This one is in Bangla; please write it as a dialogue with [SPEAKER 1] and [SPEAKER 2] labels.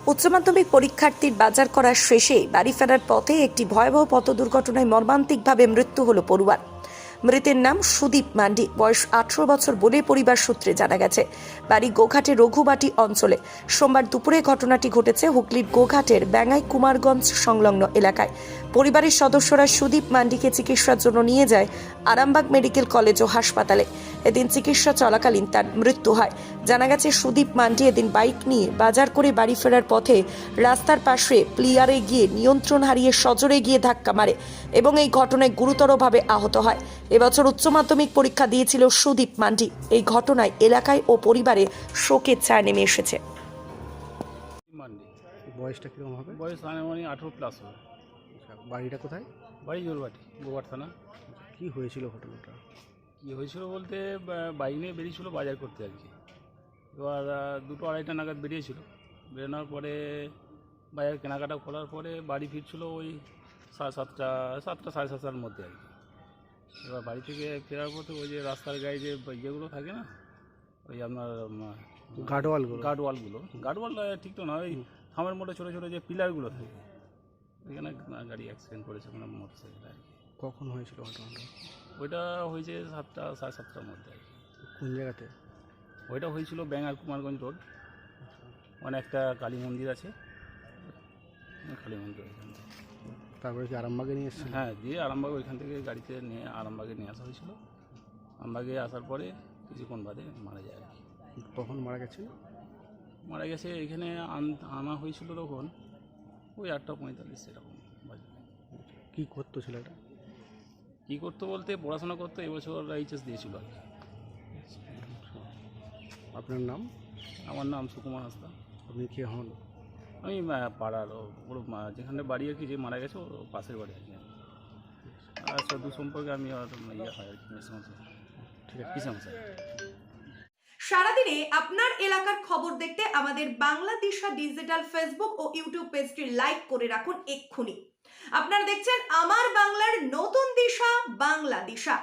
[SPEAKER 1] উচ্চ মাধ্যমিক পরীক্ষার্থীর বাজার করার শেষে বাড়ি ফেরার পথে একটি ভয়াবহ পথ দুর্ঘটনায় মর্মান্তিকভাবে মৃত্যু হল পড়ুয়ার। মৃতের নাম সুদীপ মান্ডি, বয়স 18 বছর বলে পরিবার সূত্রে জানা গেছে। বাড়ি গোঘাটের রঘুবাটি অঞ্চলে। সোমবার দুপুরে ঘটনাটি ঘটেছে হুগলির গোঘাটের ব্যাঙ্গাই কুমারগঞ্জ সংলগ্ন এলাকায়। পরিবারের সদস্যরা সুদীপ মান্ডিকে চিকিৎসার জন্য নিয়ে যায় আরামবাগ মেডিকেল কলেজ ও হাসপাতালে। এদিন চিকিৎসা চলাকালীন তার মৃত্যু হয়। জানা গেছে সুদীপ মান্ডি এদিন বাইক নিয়ে বাজার করে বাড়ি ফেরার পথে রাস্তার পাশে প্লিয়ারে গিয়ে নিয়ন্ত্রণ হারিয়ে সজোরে গিয়ে ধাক্কা মারে এবং এই ঘটনায় গুরুতরভাবে আহত হয়। এবছর উচ্চ মাধ্যমিক পরীক্ষা দিয়েছিল সুদীপ মান্ডি। এই ঘটনায় এলাকায় ও পরিবারে শোকের ছায়া নেমে এসেছে।
[SPEAKER 2] মান্ডি
[SPEAKER 3] বয়সটা কীরকম হবে?
[SPEAKER 2] বয়স আনুমানিক 18+ হবে।
[SPEAKER 3] আচ্ছা, বাড়িটা কোথায়?
[SPEAKER 2] বাড়ি জোরবাটি, গোঘাট থানা।
[SPEAKER 3] কি হয়েছিল ঘটনাটা?
[SPEAKER 2] কী হয়েছিল বলতে বাইক নিয়ে বেরিয়েছিল বাজার করতে আর কি। এবার 2-2:30 নাগাদ বেরিয়েছিল। বেরোনোর পরে বাজার কেনাকাটা করার পরে বাড়ি ফিরছিল ওই 7:30, 7:30 মধ্যে আর কি। এবার বাড়ি থেকে ফেরার পথে ওই যে রাস্তার গায়ে যে ইয়েগুলো থাকে না, ওই আপনার গার্ডওয়ালগুলো ঠিক তো না, ওই থামের মোটে ছোটো ছোটো যে পিলারগুলো থাকে, ওইখানে গাড়ি অ্যাক্সিডেন্ট করেছে, মানে মোটরসাইকেল আর কি।
[SPEAKER 3] কখন হয়েছিল ঘটনাটা?
[SPEAKER 2] ওইটা হয়েছে 7টা, 7:30 মধ্যে আর কি।
[SPEAKER 3] কোন জায়গাতে?
[SPEAKER 2] ওইটা হয়েছিল ব্যাঙ্গার কুমারগঞ্জ রোড, মানে একটা কালী মন্দির আছে, কালী মন্দির ওইখান থেকে।
[SPEAKER 3] তারপরে কি আরামবাগে নিয়ে এসেছিল?
[SPEAKER 2] হ্যাঁ, দিয়ে আরামবাগ ওইখান থেকে গাড়িতে নিয়ে আরামবাগে নিয়ে আসা হয়েছিল। আরামবাগে আসার পরে কিছুক্ষণ বাদে মারা যায় আর কি।
[SPEAKER 3] কখন মারা গেছে?
[SPEAKER 2] মারা গেছে এখানে আনা হয়েছিল তখন ওই 8:45 এরকম বাজে।
[SPEAKER 3] কী করতো ছেলেটা?
[SPEAKER 2] কী করতো বলতে পড়াশোনা করতো, এবছর এইচএস দিয়েছিল আর কি।
[SPEAKER 3] আপনার নাম?
[SPEAKER 2] আমার নাম সুকুমার হাসদা।
[SPEAKER 3] আপনি কে হন?
[SPEAKER 2] আমি পাড়ার ওর যেখানে বাড়ি আর কি, যে মারা গেছে ওর পাশের বাড়ি আর কি। আর সদু সম্পর্কে আমি ইয়ে হয় আর কি, মেসমশাই।
[SPEAKER 3] ঠিক আছে,
[SPEAKER 2] কিসমশাই।
[SPEAKER 1] সারাদিনে আপনার এলাকার খবর দেখতে আমাদের বাংলা দিশা ডিজিটাল ফেসবুক ও ইউটিউব পেজটি লাইক করে রাখুন এক্ষুনি। আপনারা দেখছেন আমার বাংলার নতুন দিশা, বাংলা দিশা।